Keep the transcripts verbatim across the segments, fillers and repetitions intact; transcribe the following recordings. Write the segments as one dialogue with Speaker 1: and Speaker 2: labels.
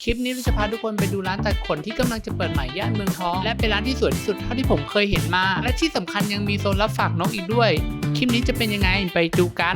Speaker 1: ลิปนี้เราจะพาทุกคนไปดูร้านตัดขนที่กำลังจะเปิดใหม่ย่านเมืองทองและเป็นร้านที่สวยที่สุดเท่าที่ผมเคยเห็นมาและที่สำคัญยังมีโซนรับฝากนกอีกด้วยคลิปนี้จะเป็นยังไงไปดูกัน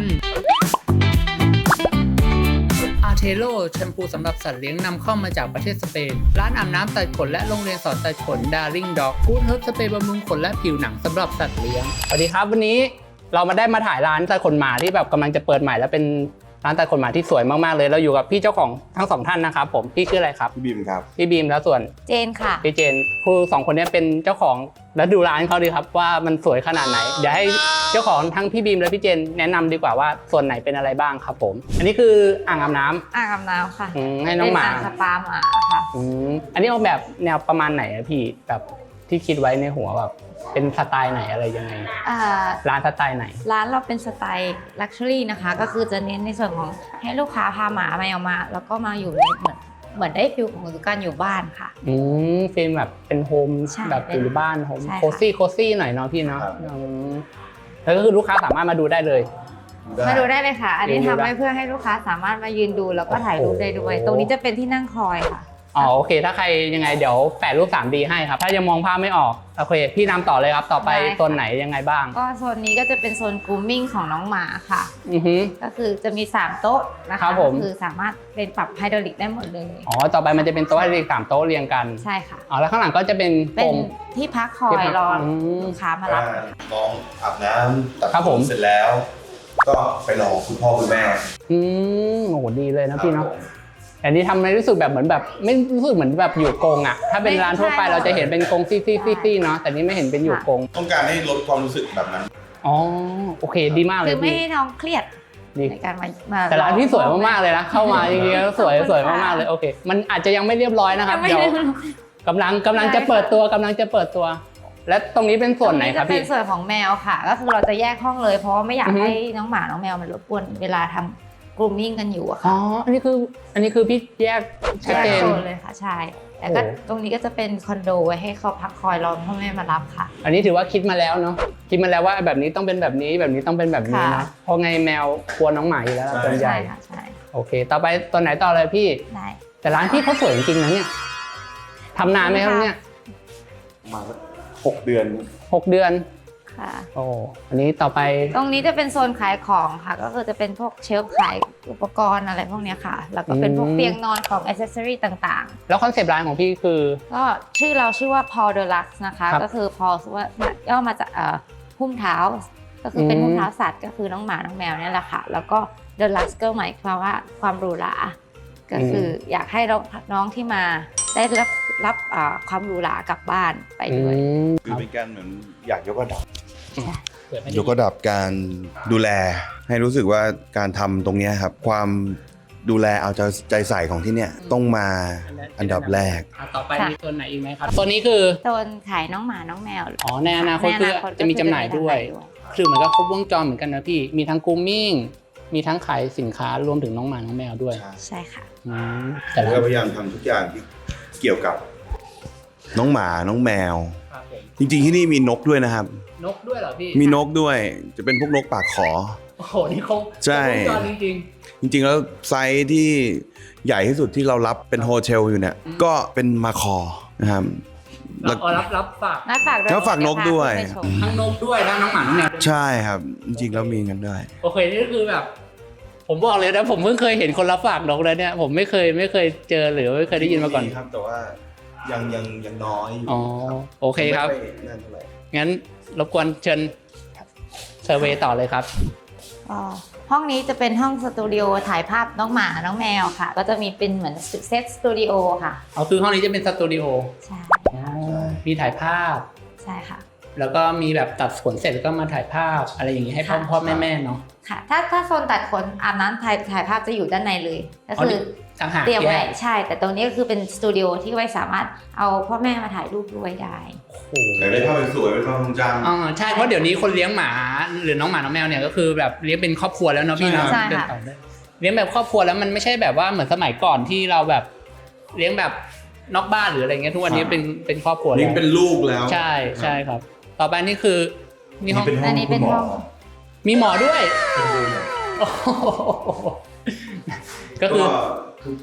Speaker 1: อาร์เทโลแชมพูสำหรับสัตว์เลี้ยงนำเข้ามาจากประเทศสเปนร้านอาบน้ำตัดขนและโรงเรียนสอนตัดขน Darling Dog กู๊ดเฮิร์บสเปรย์บำรุงขนและผิวหนังสำหรับสัตว์เลี้ยงสวัสดีครับวันนี้เรามาได้มาถ่ายร้านตัดขนหมาที่แบบกำลังจะเปิดใหม่แล้วเป็นร้านตัดขนหมาที่สวยมากๆเลยเราอยู่กับพี่เจ้าของทั้งสองท่านนะครับผมพี่ชื่ออะไรครับ
Speaker 2: พี่บีมครับ
Speaker 1: พี่บีมแล้วส่วน
Speaker 3: เจนค่ะ
Speaker 1: พี่เจนคือสองคนนี้เป็นเจ้าของแล้วดูร้านเขาดีครับว่ามันสวยขนาดไหนเดี๋ยวให้เจ้าของทั้งพี่บีมและพี่เจนแนะนำดีกว่าว่าส่วนไหนเป็นอะไรบ้างครับผมอันนี้คืออ่างอาบน้ำ
Speaker 3: อ่างอาบน้ำค่ะ
Speaker 1: ให้น้องหมา
Speaker 3: เป็นอ่างสปาหมาค่ะ
Speaker 1: อันนี้ออกแบบแนวประมาณไหนอะพี่แบบที่คิดไว้ในหัวแบบเป็นสไตล์ไหนอะไรยังไงร้านสไตล์ไหน
Speaker 3: ร้านเราเป็นสไตล์ลักชัวรี่นะคะก็คือจะเน้นในส่วนของให้ลูกค้าพาหมาแมวมาแล้วก็มาอยู่ในเหมือนเหมือนได้ฟิลของการอยู่บ้านค่ะ
Speaker 1: อืมฟิลแบบเป็นโฮมแบบอยู่บ้านโฮมโคซี่โคซี่หน่อยเนาะพี่เนาะแล้วก็คือลูกค้าสามารถมาดูได้เลย
Speaker 3: มาดูได้เลยค่ะอันนี้ทำไว้เพื่อให้ลูกค้าสามารถมายืนดูแล้วก็ถ่ายรูปได้ด้วยตรงนี้จะเป็นที่นั่งคอยค่ะ
Speaker 1: อ๋อโอเคถ้าใครยังไงเดี๋ยวแปะรูป ทรีดี ให้ครับถ้ายังมองภาพไม่ออกโอเคพี่นำต่อเลยครับต่อไปโซนไหนยังไงบ้าง
Speaker 3: ก็โซนนี้ก็จะเป็นโซนกรูมมิ่งของน้องหมาค่ะ
Speaker 1: อือฮึ
Speaker 3: ก็คือจะมีสามโต๊ะนะคะก็คือสามารถเป็นปรับไฮดรอลิกได้หมดเลย
Speaker 1: อ๋อต่อไปมันจะเป็นโต๊ะไฮดรอลิกสามโต๊ะเรียงกัน
Speaker 3: ใช่ค่ะ
Speaker 1: อ๋อแล้วข้างหลังก็จะเป็น
Speaker 3: เป็นที่พักคอยรอลูกค้ามารับ
Speaker 2: น้องอาบน้ำตัดผมเสร็จแล้วก็ไปรอคุณพ่อคุณแม่
Speaker 1: อืมโอ้โหดีเลยนะพี่เนาะอันนี้ทำให้รู้สึกแบบเหมือนแบบไม่รู้สึกเหมือนแบบอยู่กรงอ่ะถ้าเป็นร้านทั่วไปเราจะเห็นเป็นกรงซี่ซี่ซี่ซี่เนาะแต่นี่ไม่เห็นเป็นอยู่กรง
Speaker 2: ต้องการให้ลดความรู้สึกแบบนั้น
Speaker 1: อ๋อโอเคดีมากเลย
Speaker 3: คือไม่ให้น้องเครียดในการมา
Speaker 1: แต่ร้านที่สวยมากๆเลยนะเข้ามาจริงๆแล้วสวยสวยมากๆเลยโอเคมันอาจจะยังไม่เรียบร้อยนะครับเดี๋ยวกำลังกำลังจะเปิดตัวกำลังจะเปิดตัวและตรงนี้เป็นส่วนไหนครับพี่
Speaker 3: เป็นส่วนของแมวค่ะก็คือเราจะแยกห้องเลยเพราะว่าไม่อยากให้น้องหมาน้องแมวมันรบกวนเวลาทำกรูมมิ่งกันอยู่อะค่ะ
Speaker 1: อ๋ออันนี้คืออันนี้คือพี่แยกชัดเจน
Speaker 3: เลยค่ะใช่แต่ก็ตรงนี้ก็จะเป็นคอนโดไว้ให้เขาพักคอยรอพ่อแม่มารับค่ะ
Speaker 1: อันนี้ถือว่าคิดมาแล้วเนาะคิดมาแล้วว่าแบบนี้ต้องเป็นแบบนี้แบบนี้ต้องเป็นแบบนี้นะเพราะไงแมวกลัวน้องหมาอยู่แล้วตัวใหญ่
Speaker 3: ค่ะใช่
Speaker 1: โอเคต่อไปตัวไหนต่อเลยพี่
Speaker 3: ได้
Speaker 1: แต่ร้านพี่เขาสวยจริงๆนะเนี่ยทำนานไหมครับเนี่ย
Speaker 2: มาหกเดือน
Speaker 1: หกเดือน
Speaker 3: ค่ะ
Speaker 1: โอ้อันนี้ต่อไป
Speaker 3: ตรงนี้จะเป็นโซนขายของค่ะก็คือจะเป็นพวกเชลฟ์ขายอุปกรณ์อะไรพวกนี้ค่ะแล้วก็เป็นพวกเตียงนอนของอิสเซอรี่ต่าง
Speaker 1: ๆแล้วคอนเซปต์ร้านของพี่คือ
Speaker 3: ก็ชื่อเราชื่อว่า Paw Deluxe นะคะก็คือ Paw ว่าย่อมาจากหุ้มเท้าก็คือเป็นหุ้มเท้าสัตว์ก็คือน้องหมาน้องแมวนี่แหละค่ะแล้วก็ Deluxe ก็หมายความว่าความหรูหราก็คืออยากให้น้องที่มาได้รับรับความหรูหรากลับบ้านไปด้วย
Speaker 2: คือเป็นการเหมือนอยากยกระดับยกระดับการดูแลให้รู้สึกว่าการทำตรงนี้ครับความดูแลเอาใจใส่ของที่เนี่ยต้องมาอันดับแรก
Speaker 1: ต่อไปมีตัวไหนอีกไหมครับตัวนี้คือ
Speaker 3: โซนขายน้องหมาน้องแมว
Speaker 1: อ๋อในอนาคตคือจะมีจำหน่ายด้วยคือเหมือนกับครบวงจรเหมือนกันนะพี่มีทั้งกรูมมิ่งมีทั้งขายสินค้ารวมถึงน้องหมาน้องแมวด้วย
Speaker 3: ใช่ค่ะ
Speaker 2: แต่เราพยายามทำทุกอย่างที่เกี่ยวกับน้องหมาน้องแมวจริงๆที่นี่มีนกด้วยนะครับ
Speaker 1: นกด้วยเหรอพี่
Speaker 2: มีนกด้วยจะเป็นพวกนกปากขอ
Speaker 1: โอ้โหนี่เขา
Speaker 2: ใช่
Speaker 1: จริง
Speaker 2: จริงๆแล้วไซส์ที่ใหญ่ที่สุดที่เรารับเป็นโฮเทลอยู่เนี่ยก็เป็นมาคอนะครับ
Speaker 1: รับรับรับฝาก
Speaker 3: รับฝาก
Speaker 2: รับฝากนกด้วย
Speaker 1: ทั้งนกด้วยทั้งน้องหมาน้องแมว
Speaker 2: ใช่ครับจริงๆแล้วมีกันด้วย
Speaker 1: โอเคนี่คือแบบผมบอกเลยนะผมเพิ่งเคยเห็นคนรับฝากนกแล้วเนี่ยผมไม่เคยไม่เคยเจอหรือไม่เคยได้ยินมาก่อน
Speaker 2: ครับแต่ว่ายังยังยังน้อยอยู่
Speaker 1: อ๋อโอเคครับงั้นรบกวนเชิญเซอร์เวย์ต่อเลยครับ
Speaker 3: ห้องนี้จะเป็นห้องสตูดิโอถ่ายภาพน้องหมาน้องแมวค่ะก็จะมีเป็นเหมือนเซตสตูดิโอค่ะ
Speaker 1: อ๋อคือห้องนี้จะเป็นสตูดิโอ
Speaker 3: ใช่
Speaker 1: มีถ่ายภาพ
Speaker 3: ใช่ค่ะ
Speaker 1: แล้วก็มีแบบตัดขนเสร็จก็มาถ่ายภาพอะไรอย่างนี้ให้พ่อพ่อแม่แม่เนาะ
Speaker 3: ค่ะถ้าถ้าโซนตัดขนอาบน้ำถ่ายถ่ายภาพจะอยู่ด้านในเลยก็คือเตรียมไว้ใช่แต่ตรงนี้ก็คือเป็นสตูดิโอที่ไว้สามารถเอาพ่อแม่มาถ่ายรูปด้วยได้
Speaker 2: อยากได้ภาพสวยเป็นความทรงจำ
Speaker 1: อ๋อใช่เพราะเดี๋ยวนี้คนเลี้ยงหมาหรือน้องหมาน้องแมวเนี่ยก็คือแบบเลี้ยงเป็นครอบครัวแล้วเนาะพี่เนาะเลี้ยงแบบครอบครัวแล้วมันไม่ใช่แบบว่าเหมือนสมัยก่อนที่เราแบบเลี้ยงแบบนอกบ้านหรืออะไรเงี้ยทุกวันนี้เป็นเป็นครอบครัวแล้ว
Speaker 2: เลี้ยงเป็นลูกแล้ว
Speaker 1: ใช่ใช่ครับต่อไปนี่คือ
Speaker 3: นี่ห้องอันนี้เป็นห้อง
Speaker 1: มีหมอด้วยก็คือ
Speaker 2: ทุกๆ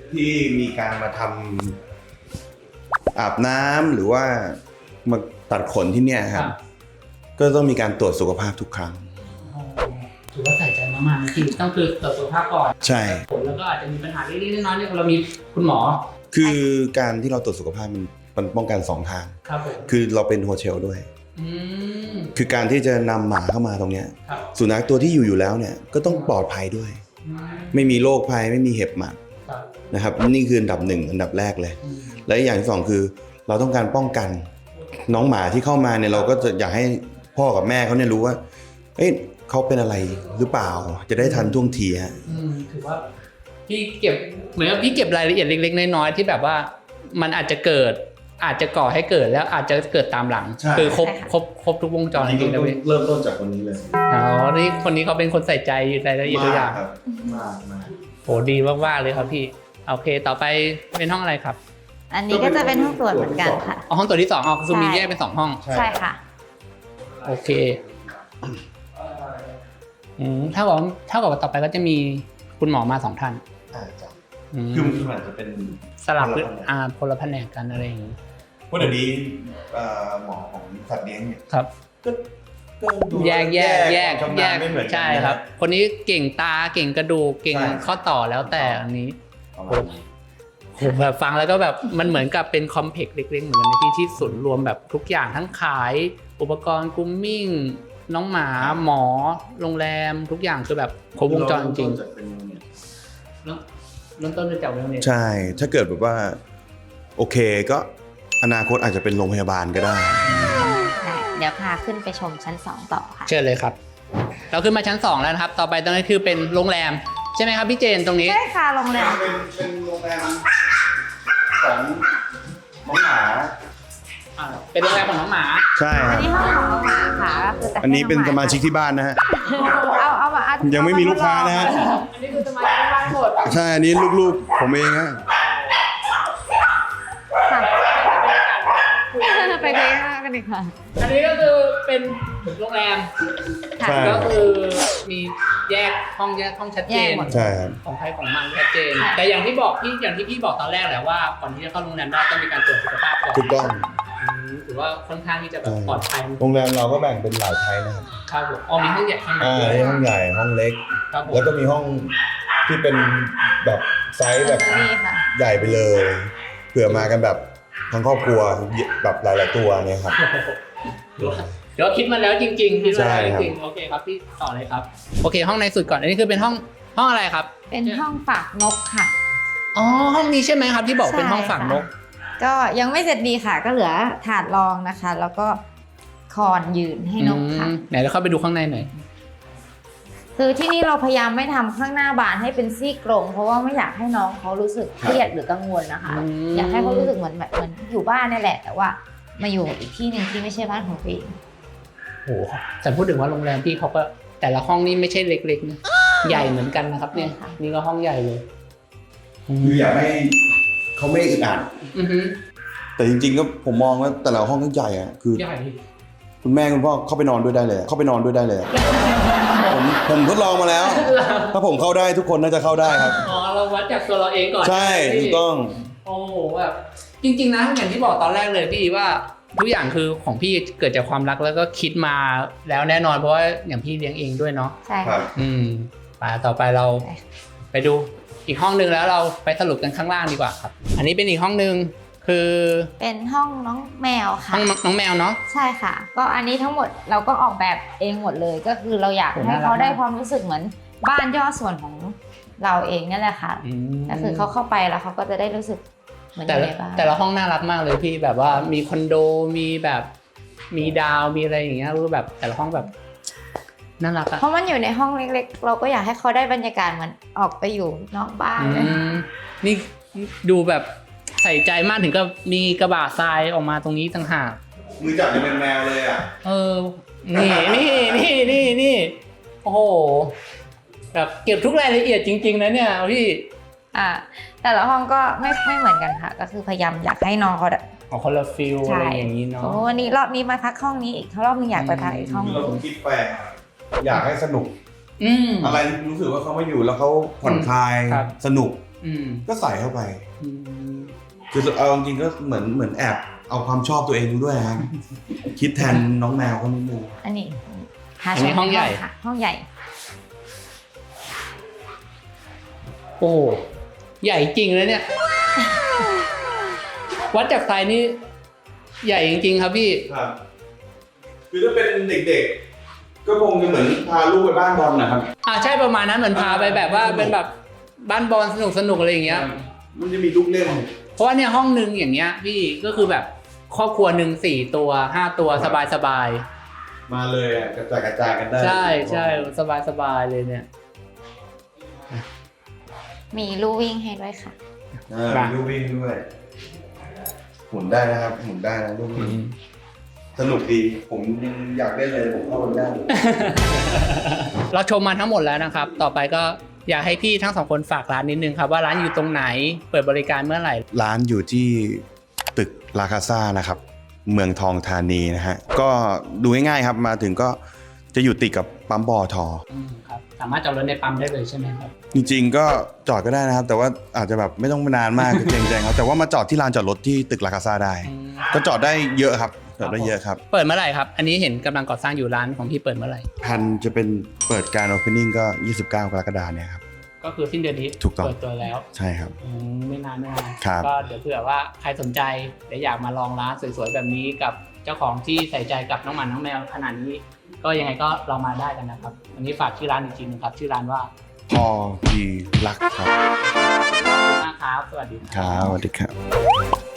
Speaker 2: ที่มีการมาทำอาบน้ำหรือว่ามาตัดขนที่เนี่ยครับก็ต้องมีการตรวจสุขภาพทุกครั้ง
Speaker 1: ถือว่าใส่ใจมากๆที่ต้องคือตรวจสุขภาพก่อน
Speaker 2: ใช่
Speaker 1: ผลแล้วก็อาจจะมีปัญหาเล็กๆน้อยๆเนี่ยเรามีคุณหมอ
Speaker 2: คือการที่เราตรวจสุขภาพมันมันป้องกันสองทาง
Speaker 1: ครับผม
Speaker 2: คือเราเป็นโฮเทลด้วย
Speaker 1: อืม
Speaker 2: คือการที่จะนำหมาเข้ามาตรงเนี้ย
Speaker 1: ครับ
Speaker 2: สุนัขตัวที่อยู่อยู่แล้วเนี่ยก็ต้องปลอดภัยด้วย
Speaker 1: อืม
Speaker 2: ไม่มีโรคภัยไม่มีเห็บหมัด
Speaker 1: ครับ
Speaker 2: นะครับนี่คืออันดับหนึ่งอันดับแรกเลย
Speaker 1: อืม
Speaker 2: และอีกอย่างที่สองคือเราต้องการป้องกันน้องหมาที่เข้ามาเนี่ยเราก็จะอยากให้พ่อกับแม่เขาเนี่ยรู้ว่าเอ้ยเขาเป็นอะไรหรือเปล่าจะได้ทันท่วงทีฮะ
Speaker 1: อืมถือว่าพี่เก็บเหมือนกับพี่เก็บรายละเอียดเล็กๆน้อยๆที่แบบว่ามันอาจจะเกิดอาจจะก่อให้เกิดแล้วอาจจะเกิดตามหลัง
Speaker 2: ใช่
Speaker 1: คือครบครบครบทุกวงจรจริงๆนะพี่
Speaker 2: เริ่มต้นจากคนนี้เลย
Speaker 1: อ๋อนี่คนนี้เขาเป็นคนใส่ใจรายละเอียดทุกอย่าง
Speaker 2: ครับมากมาก
Speaker 1: โหดีมากๆเลยครับพี่โอเคต่อไปเป็นห้องอะไรครับ
Speaker 3: อันนี้ก็จะเป็นห้องตรวจเหมือนกันค่ะ
Speaker 1: อ๋อห้องตัวที่สองอ๋อคือมี
Speaker 3: ใช่
Speaker 1: แยกเป็นสองห้อง
Speaker 3: ใช่ค่ะ
Speaker 1: โอเคอืมเท่ากับเท่ากับว่าต่อไปก็จะมีคุณหมอมาสองท่าน
Speaker 2: อ่าจ้ะ
Speaker 1: อืม
Speaker 2: คือมันอาจจะเป็น
Speaker 1: สลับ
Speaker 2: คนละแผนก
Speaker 1: อ่าคนละแผนกกันอะไรอย่างนี้
Speaker 2: เพราะเดี๋ยวนี้เอ่อหมอของสัตว์เลี้ยงเนี่ย
Speaker 1: ครับ
Speaker 2: ก็ก็ดู
Speaker 1: แยกแยกแยก
Speaker 2: ความชำ
Speaker 1: แย
Speaker 2: นาญ
Speaker 1: ก
Speaker 2: ไม่เหมือนกัน
Speaker 1: ใช่ครับ คนนี้เก่งตาเก่งกระดูกเก่ง
Speaker 2: ใช่
Speaker 1: ข้อต่อแล้วแต่อันนี้
Speaker 2: ประมาณนั้น
Speaker 1: โหแบบฟังแล้วก็แบบมันเหมือนกับเป็นคอมเพล็กซ์เล็กๆเหมือนกันในที่ที่ศูนย์รวมแบบทุกอย่างทั้งขายอุปกรณ์กรูมมิ่งน้องหมาหมอโรงแรมทุกอย่างคือแบบครบวงจรจริง
Speaker 2: จากเป็นเนี่ย
Speaker 1: เริ่มเริ่มต้นด้วยจากเรื่องนี้
Speaker 2: ใช่ ถ้าเกิดแบบว่าโอเคก็อนาคตอาจจะเป็นโรงพยาบาลก็ได้
Speaker 3: เดี๋ยวพาขึ้นไปชมชั้นสองต่อค่ะ
Speaker 1: เชิญเลยครับ เราขึ้นมาชั้นสองแล้วนะครับ ต่อไปตรงนี้คือเป็นโรงแรมใช่ไหมครับพี่เจนตรงนี้
Speaker 3: ใช่ค่ะโรงแรม
Speaker 2: เป็นเป็นโรงแรมของน้องหมา
Speaker 1: อ่าเป็นโรงแรมของน้องหมา
Speaker 2: ใช่ค
Speaker 3: อั
Speaker 2: รั
Speaker 3: น
Speaker 2: บ
Speaker 3: นี้ห้องของน้องหมาค่ะก็คือจะให้
Speaker 2: อันนี้เป็นสมาชิก
Speaker 3: องห
Speaker 2: ที่บ้านนะฮะ
Speaker 3: เอาเอามาเอา
Speaker 2: ยังไม่มีลูกค้านะฮะ
Speaker 1: อันนี้คือสมาชิกบ้านหมด
Speaker 2: ใช่ อันนี้ลูกๆ ผมเองฮะ
Speaker 3: ค่ะไปเลยกันดีกว่า
Speaker 1: อันนี้ก็คือเป็นโรงแรม
Speaker 3: ค่ะ
Speaker 2: ใช่
Speaker 1: ก็คือมีแยกห้องแยกห้องชัดเจน
Speaker 3: แยกหมด
Speaker 2: ใช่ครับ
Speaker 1: ของใครของมันชัดเจน
Speaker 3: ค่ะ
Speaker 1: แต่อย่างที่บอกพี่อย่างที่พี่บอกตอนแรกแหละว่าก่อนที่จะเข้าโรงแรมได้ต้องมีการตรวจสุขภาพก่อน
Speaker 2: ถูกต้อง
Speaker 1: อืมถือว่าค่อนข้างที่จะแบบ
Speaker 2: ใช่
Speaker 1: ปลอดภัย
Speaker 2: โรงแรมเราก็แบ่งเป็นหลายไทยนะครับ
Speaker 1: ครับผมอ๋อมีห้องใหญ่ข้างใน
Speaker 2: อ่า
Speaker 1: ด้วย
Speaker 2: นี่ห้องใหญ่ ห้องเล็ก
Speaker 1: ครับผม
Speaker 2: แล้วก็มีห้องที่เป็นแบบไซส์แบบ
Speaker 3: นี่ค่ะ
Speaker 2: ใหญ่ไปเลยเผื่อมากันแบบทั้งครอบครัวแบบหลาย ๆ ตัวเนี่ยครับ
Speaker 1: เดี๋ยวคิดมาแล้วจริงๆคิดมาแล้ว
Speaker 2: ใช่
Speaker 1: จ
Speaker 2: ครับ
Speaker 1: ริงๆโอเคครับพี่ต่อเลยครับโอเคห้องในสุดก่อนอันนี้คือเป็นห้องห้องอะไรครับ
Speaker 3: เป็นห้องฝากนกค่ะ
Speaker 1: อ๋อห้องนี้ใช่ไหมครับที่บอกเป็นห้องฝังนก
Speaker 3: ใช่ค่ะก็ยังไม่เสร็จดีค่ะ ก็เหลือถาดรองนะคะ แล้วก็คอนยืนให้นกค่ะ
Speaker 1: อืมไหนเราเข้าไปดูข้างในหน่อย
Speaker 3: คือที่นี่เราพยายามไม่ทำข้างหน้าบานให้เป็นซี่กรงเพราะว่าไม่อยากให้น้องเขารู้สึกเครียดหรือกังวลนะคะ
Speaker 1: อืม
Speaker 3: อยากให้เขารู้สึกเหมือนแบบเหมือนอยู่บ้านนี่แหละ แต่ว่ามาอยู่อีกที่หนึ่งที่ไม่ใช่บ้านของตัวเอง
Speaker 1: โอ้โหแต่พูดถึงว่าโรงแรมพี่เขาก็แต่ละห้องนี่ไม่ใช่เล็กๆนะใหญ่เหมือนกันนะครับเนี่ยนี่ก็ห้องใหญ่เลย
Speaker 2: คืออยากให้เขาไม่อึดอัด
Speaker 1: อือฮึ
Speaker 2: แต่จริง ๆ ก็ผมมองว่าแต่ละห้องก็ใหญ่อะคือ
Speaker 1: ใหญ่
Speaker 2: คุณแม่คุณพ่อเข้าไปนอนด้วยได้เลยเข้าไปนอนด้วยได้เลยผมผมทดลองมาแล้ว ถ้าผมเข้าได้ทุกคนน่าจะเข้าได้ครับ
Speaker 1: อ๋อเราวัดจากตัวเราเองก่อน
Speaker 2: ใช่ถูกต้อง
Speaker 1: โอ้โหแบบจริง ๆนะอย่างที่บอกตอนแรกเลยพี่ว่าทุกอย่างคือของพี่เกิดจากความรักแล้วก็คิดมาแล้วแน่นอนเพราะว่าอย่างพี่เลี้ยงเองด้วยเนาะ
Speaker 3: ใช่
Speaker 2: ครั
Speaker 3: ค่ะ
Speaker 2: บ
Speaker 1: อืมไปต่อไปเรา
Speaker 3: ใช่
Speaker 1: ไปดูอีกห้องหนึ่งแล้วเราไปสรุปกันข้างล่างดีกว่าครับ อันนี้เป็นอีกห้องหนึ่งคือ
Speaker 3: เป็นห้องน้องแมวค่ะ
Speaker 1: ห้องน้องแมวเนาะ
Speaker 3: ใช่ค่ะ ก็อันนี้ทั้งหมดเราก็ออกแบบเองหมดเลย ก็คือเราอยาก
Speaker 1: โอ้
Speaker 3: ให้
Speaker 1: น่ารัก
Speaker 3: เขาได้
Speaker 1: มาก
Speaker 3: ความรู้สึกเหมือนบ้านย่อส่วนของเราเองนั่นแหละค่ะ
Speaker 1: อืม
Speaker 3: ก็คือเขาเข้าไปแล้วเขาก็จะได้รู้สึกเหมือนอ
Speaker 1: แต่
Speaker 3: ยู่
Speaker 1: ละ
Speaker 3: ในบ้าน
Speaker 1: แต่ละห้องน่ารักมากเลยพี่แบบว่ามีคอนโดมีแบบมีดาวมีอะไรอย่างเงี้ยรู้แบบแต่ละห้องแบบน่ารักอะ
Speaker 3: เพราะมันอยู่ในห้องเล็กๆ เราก็อยากให้เขาได้บรรยากาศเหมือนออกไปอยู่นอกบ้าน
Speaker 1: อื
Speaker 3: เลย
Speaker 1: มนี่ดูแบบใส่ใจมากถึงกับมีกระบะทรายออกมาตรงนี้ต่างหาก
Speaker 2: มือจับยังเป็นแมวเลยอ่ะ
Speaker 1: เออ นี่นี่นี่นี่นี่โอ้โหแบบเก็บทุกรายละเอียดจริงๆนะเนี่ยพี่
Speaker 3: อ่าแต่ละห้องก็ไม่ไม่เหมือนกันค่ะ ก็คือพยายามอยากให้น้องเขาได้
Speaker 1: ออกคนละฟิลอะไรอย่างนี้เนาะ
Speaker 3: โอ้วันนี้รอบนี้มาพักห้องนี้อีกรอบนึงอยากไปพักอีกห้องนึ
Speaker 2: เรา
Speaker 3: ง
Speaker 2: ผมคิดแปลกอยากให้สนุก
Speaker 1: อืม
Speaker 2: อะไรรู้สึกว่าเขามาอยู่แล้วเขาผ่อนคลาย
Speaker 1: ครับ
Speaker 2: สนุก
Speaker 1: อืม
Speaker 2: ก็ใส่เข้าไป
Speaker 1: อืม
Speaker 2: คือเอาจริงๆก็เหมือนเหมือนแอบเอาความชอบตัวเองด้วยครับ คิดแทนน้องแมวเขานิดนึง
Speaker 3: อันนี้หา
Speaker 1: อันนี้
Speaker 3: ชม
Speaker 1: ห้องใหญ่
Speaker 3: ค่ะ ห้องใหญ่
Speaker 1: โอ้ใหญ่จริงเลยเนี่ย วัดจากไซส์นี่ใหญ่จริงๆครับพี่
Speaker 2: ครับ คือถ้าเป็นเด็กๆ ก็คงจะเหมือนพาลูกไปบ้านบอลนะครับ
Speaker 1: อ่าใช่ประมาณนั้นเหมือนพาไปแบบว่าเป็นแบบบ้านบอลสนุกสนุกๆอะไรอย่างเงี้ย
Speaker 2: มันจะมีลูกเล่น
Speaker 1: เพราะว่าเนี่ยห้องนึงอย่างเงี้ยพี่ก็คือแบบครอบครัวหนึ่งสี่ตัวห้าตัวสบายสบาย
Speaker 2: มาเลยอ่ะกระจายกระจายกันได้
Speaker 1: ใช่ใช่สบายสบายเลยเนี่ย
Speaker 3: มีลู่วิ่งให้ด้วยค่ะ
Speaker 2: อ่ามีลูกวิ่งด้วยหมุนได้นะครับหมุนได้นะลูกวิ่งสนุกดีผมยังอยากเล่นเลยผมเข้าไปได้
Speaker 1: เราชมมาทั้งหมดแล้วนะครับ ต่อไปก็อยากให้พี่ทั้งสองคนฝากร้านนิดนึงครับว่าร้านอยู่ตรงไหนเปิดบริการเมื่อไหร่
Speaker 2: ร้านอยู่ที่ตึกลาคาซ่านะครับ เมืองทองธานีนะฮะ ก็ดูง่ายๆครับมาถึงก็จะอยู่ติดกับปั๊มปอท
Speaker 1: อืมครับสามารถจอดรถในปั๊มได้เลยใช่ไหมครับ
Speaker 2: จริงๆก็จอดก็ได้นะครับ แต่ว่าอาจจะแบบไม่ต้องนานมาก เกรงใจครับแต่ว่ามาจอดที่ลานจอดรถที่ตึกลาคาซ่าได้
Speaker 1: อืม
Speaker 2: ก็จอดได้เยอะครับจอดได้เยอะครับ
Speaker 1: เปิดเมื่อไหร่ครับอันนี้เห็นกำลังก่อสร้างอยู่ร้านของพี่เปิดเมื่อไหร่
Speaker 2: แพันจะเป็นเปิดการ opening ก็ ยี่สิบเก้ากรกฎาคมเนี่ยครับ
Speaker 1: ก็คือสิ้นเดือนนี้
Speaker 2: ถูกต้อง
Speaker 1: เปิดตัวแล้ว
Speaker 2: ใช่ครับ
Speaker 1: อืมไม่นานไม่นาน
Speaker 2: ครับ
Speaker 1: ก็เดี๋ยวเผื่อว่าใครสนใจหรืออยากมาลองร้านสวยๆแบบนี้กับเจ้าของที่ใส่ใจกับน้องหมาน้องแมวขนาดนี้ ก็ยังไงก็ลองมาได้กันนะครับวันนี้ฝากชื่อร้านอีกทีหนึงครับชื่อร้านว่า
Speaker 2: พอดีรักครับ
Speaker 1: ขอบคุณมากครับสวัสดี
Speaker 2: ครับสวัสดีครับ